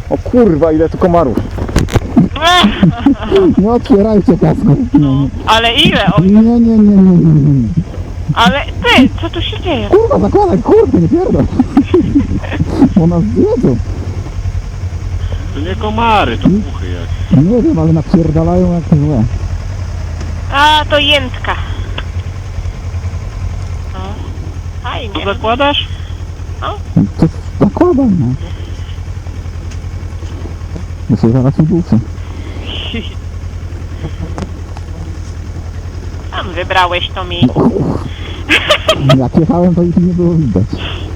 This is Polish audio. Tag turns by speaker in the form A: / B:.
A: O kurwa, ile tu komarów. Nie otwierajcie kasku.
B: No, ale ile? O,
A: Nie.
B: ale ty, co tu się dzieje?
A: Kurwa, zakładaj, kurwa, nie pierdol. Bo nas zjedzą.
C: To nie komary, to muchy jak.
A: Nie wiem, ale napierdalają jak złe.
B: A, to jętka. No,
C: To
B: fajnie.
C: zakładasz?
A: To zakładaj, no. Bo się zaraz uduszę.
B: Tam wybrałeś to miejsce.
A: Jak jechałem, to ich nie było widać.